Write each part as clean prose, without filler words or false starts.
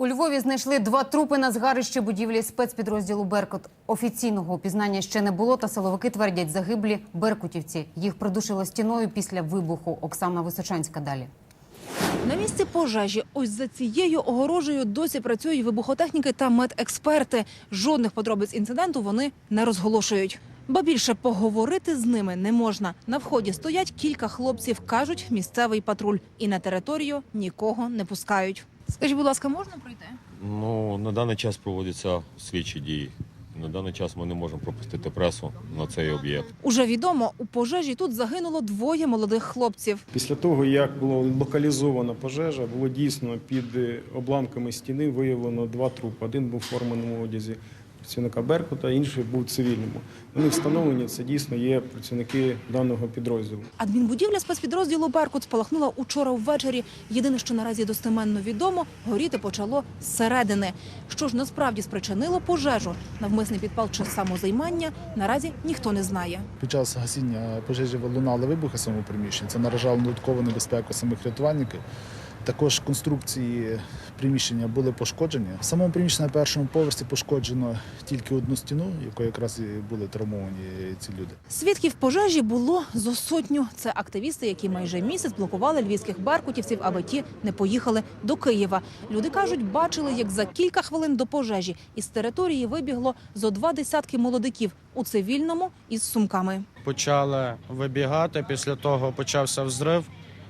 У Львові знайшли 2 трупи на згарищі будівлі спецпідрозділу «Беркут». Офіційного опізнання ще не було, та силовики твердять, загиблі беркутівці. Їх придушило стіною після вибуху. Оксана Височанська далі. На місці пожежі ось за цією огорожею досі працюють вибухотехніки та медексперти. Жодних подробиць інциденту вони не розголошують. Ба більше, поговорити з ними не можна. На вході стоять кілька хлопців, кажуть, місцевий патруль. І на територію нікого не пускають. Скажіть, будь ласка, можна пройти? На даний час проводяться слідчі дії. На даний час ми не можемо пропустити пресу на цей об'єкт. Уже відомо, у пожежі тут загинуло 2 молодих хлопців. Після того, як була локалізована пожежа, було дійсно під обламками стіни виявлено 2 трупи. Один був у форменому одязі працівника «Беркута», інший був у цивільному. Вони встановлені, це дійсно є працівники даного підрозділу. Адмінбудівля спецпідрозділу «Беркут» спалахнула учора ввечері. Єдине, що наразі достеменно відомо, горіти почало зсередини. Що ж насправді спричинило пожежу, навмисний підпал чи самозаймання, наразі ніхто не знає. Під час гасіння пожежі лунали вибухи самого приміщення. Це наражало на додаткову небезпеку самих рятувальників. Також конструкції приміщення були пошкоджені. В самому приміщенні на першому поверсі пошкоджено тільки одну стіну, якою якраз і були травмовані ці люди. Свідків пожежі було зо 100. Це активісти, які майже місяць блокували львівських беркутівців, аби ті не поїхали до Києва. Люди кажуть, бачили, як за кілька хвилин до пожежі із території вибігло зо 20 молодиків у цивільному із сумками. Почали вибігати, після того почався взрив.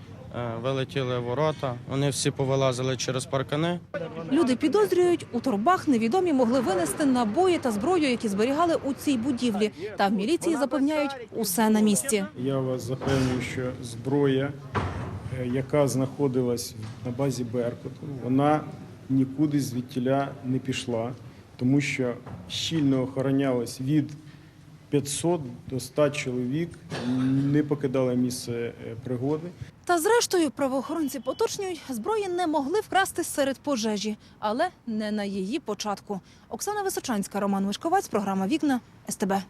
Вилетіли ворота, вони всі повилазили через паркани. Люди підозрюють, у торбах невідомі могли винести набої та зброю, які зберігали у цій будівлі. Та в міліції запевняють, усе на місці. Я вас запевнюю, що зброя, яка знаходилась на базі «Беркуту», вона нікуди звідтіля не пішла, тому що щільно охоронялась від 500 до 100 чоловік, не покидали місце пригоди. Та зрештою правоохоронці поточнюють, зброї не могли вкрасти серед пожежі, але не на її початку. Оксана Височанська, Роман Мишковець, програма «Вікна», СТБ.